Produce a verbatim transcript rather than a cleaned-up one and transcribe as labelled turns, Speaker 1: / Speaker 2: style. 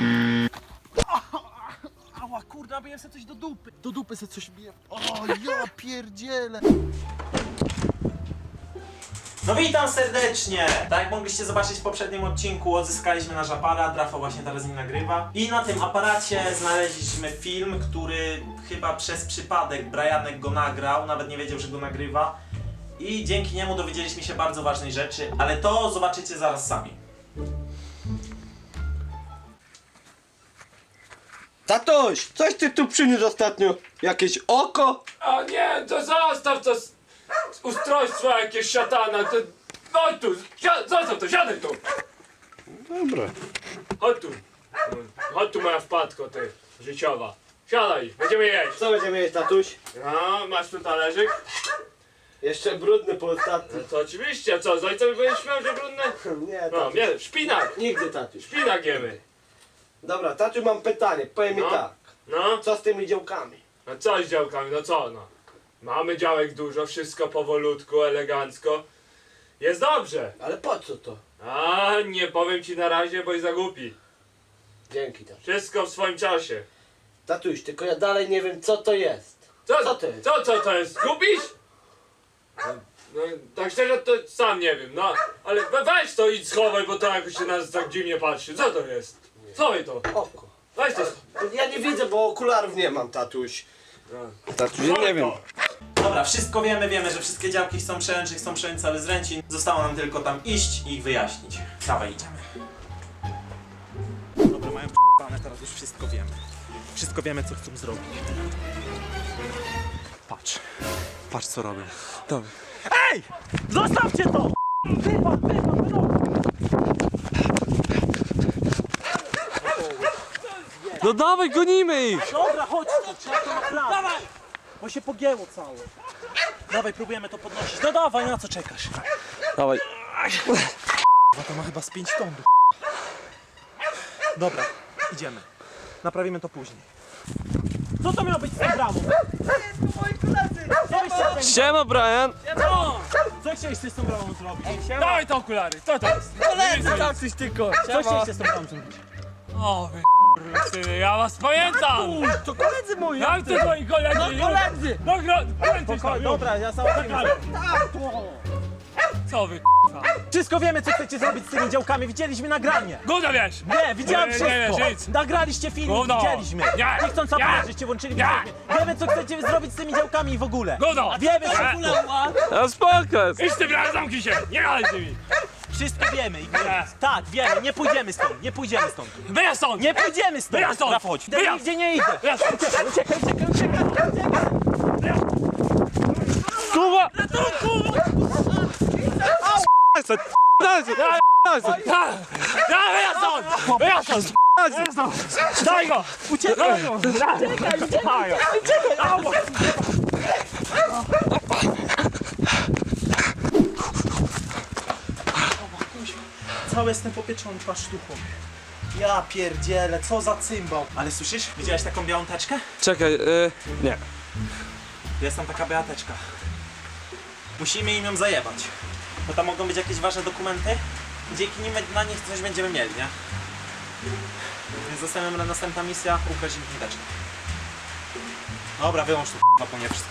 Speaker 1: Ała, kurna, biję sobie coś do dupy. Do dupy sobie coś biję. O, ja pierdzielę.
Speaker 2: No witam serdecznie! Tak jak mogliście zobaczyć w poprzednim odcinku, odzyskaliśmy nasz aparat, Rafał właśnie teraz nim nagrywa. I na tym aparacie znaleźliśmy film, który chyba przez przypadek Brianek go nagrał, nawet nie wiedział, że go nagrywa. I dzięki niemu dowiedzieliśmy się bardzo ważnej rzeczy, ale to zobaczycie zaraz sami.
Speaker 3: Tatuś, coś ty tu przyniósł ostatnio? Jakieś oko?
Speaker 4: A nie, to zostaw to s- ustrojstwo jakieś szatana, to... Chodź tu, si- zostaw to, siadaj tu!
Speaker 3: Dobra.
Speaker 4: Chodź tu. Chodź tu moja wpadko, ty, życiowa. Siadaj, będziemy jeść.
Speaker 3: Co będziemy jeść, tatuś?
Speaker 4: No, masz tu talerzyk?
Speaker 3: Jeszcze brudny po
Speaker 4: No
Speaker 3: ostatnim.
Speaker 4: to oczywiście, co, z ojcem będziesz śmiał, że brudne?
Speaker 3: Nie,
Speaker 4: No,
Speaker 3: tatuś.
Speaker 4: nie, szpinak,
Speaker 3: Nigdy, tatuś.
Speaker 4: szpinak jemy.
Speaker 3: Dobra, tatuś, mam pytanie. Powiem mi
Speaker 4: No.
Speaker 3: tak.
Speaker 4: No,
Speaker 3: Co z tymi działkami?
Speaker 4: no co z działkami, no co no? Mamy działek dużo, wszystko powolutku, elegancko. Jest dobrze.
Speaker 3: Ale po co to?
Speaker 4: A nie powiem ci na razie, bo i zagłupi.
Speaker 3: Dzięki, tatuś.
Speaker 4: Wszystko w swoim czasie.
Speaker 3: Tatuś, tylko ja dalej nie wiem, co to jest.
Speaker 4: Co,
Speaker 3: Co to jest?
Speaker 4: Co, co to jest? Gubisz? No, no, tak szczerze to sam nie wiem, no. Ale we- weź to i schowaj, bo to jakoś się nas tak dziwnie patrzy. Co to jest? Schowaj to.
Speaker 3: Oko.
Speaker 4: Weź to.
Speaker 3: Ja nie widzę, bo okularów nie mam, tatuś.
Speaker 4: No.
Speaker 3: Tatuś, ja nie wiem.
Speaker 2: Dobra, wszystko wiemy, wiemy, że wszystkie działki chcą przejąć, że chcą przejąć cały Zręcin. Zostało nam tylko tam iść i ich wyjaśnić. Dawaj, idziemy. Dobra, mają p***ane, teraz już wszystko wiemy. Wszystko wiemy, co chcą zrobić. Patrz. Patrz, co robią. Dobra. Ej! Zostawcie to! Wypad, wypad, wypad!
Speaker 5: No dawaj, gonimy ich!
Speaker 1: Dobra, chodź tu, trzeba to naprawić. Dawaj! Bo się pogięło całe. Dawaj, próbujemy to podnosić. No dawaj, na co czekasz?
Speaker 5: Dawaj.
Speaker 2: No to ma chyba z pięć ton. Dobra, idziemy. Naprawimy to później.
Speaker 1: Co to miało być z tą bramą? Co byście
Speaker 5: Siema, Brian!
Speaker 1: No! Co chcieliście z tą bramą zrobić?
Speaker 4: Dawaj te okulary, co to jest?
Speaker 1: Coś tylko. Co chcieliście z tą bramą zrobić?
Speaker 4: O wy syny, ja was pamiętam!
Speaker 1: To koledzy moi!
Speaker 4: Jak to twoi koledzy?
Speaker 1: No koledzy!
Speaker 4: No gro... Pamiętasz
Speaker 1: Spoko-
Speaker 4: tam,
Speaker 1: Dobra, ja załatwię. Tak, to.
Speaker 4: co wy
Speaker 1: Wszystko wiemy, co chcecie zrobić z tymi działkami. Widzieliśmy nagranie.
Speaker 4: Gówno wiesz!
Speaker 1: Nie, widziałem
Speaker 4: Nie, nie, nie,
Speaker 1: wszystko.
Speaker 4: nic.
Speaker 1: Nagraliście film,
Speaker 4: Gówno.
Speaker 1: widzieliśmy.
Speaker 4: Nie.
Speaker 1: Nie chcąc
Speaker 4: Nie.
Speaker 1: zaprosić, włączyli
Speaker 4: Nie.
Speaker 1: filmie. Wiemy, co chcecie zrobić z tymi działkami i w ogóle.
Speaker 4: Gówno!
Speaker 1: Wiemy
Speaker 4: Nie.
Speaker 1: wszystko.
Speaker 5: A spoko!
Speaker 4: Idź ty, brat, zamknij się! Nie gadaj z nimi!
Speaker 1: Wszystko wiemy. I
Speaker 4: Nie.
Speaker 1: Tak, wiemy. Nie pójdziemy stąd. Nie pójdziemy stąd.
Speaker 4: Wyjazd stąd!
Speaker 1: Nie pójdziemy stąd.
Speaker 4: Wyjazd stąd.
Speaker 1: Rafał, chodź.
Speaker 4: Wyjazd.
Speaker 1: Nigdzie nie idę.
Speaker 4: Wyjazd stąd!
Speaker 1: Uciekaj, uciekaj, uciekaj, uciekaj.
Speaker 5: Kuba!
Speaker 4: Daj, wyjazd stąd! Wyjazd stąd! Wyjazd stąd! Daj go!
Speaker 1: Uciekaj.
Speaker 4: Daj go!
Speaker 1: Uciekaj, uciekaj. Cały jestem popieczony pasztuchą. Ja pierdzielę, co za cymbał.
Speaker 2: Ale słyszysz? Widziałeś taką białą teczkę?
Speaker 5: Czekaj, y... nie.
Speaker 2: Jest tam taka biała teczka. Musimy im ją zajebać. Bo tam mogą być jakieś ważne dokumenty. Dzięki nim na nich coś będziemy mieli, nie? Więc zostawiam na następna misja, ukraść im tę teczkę. Dobra, wyłącz to, k***a, po mnie wszystko.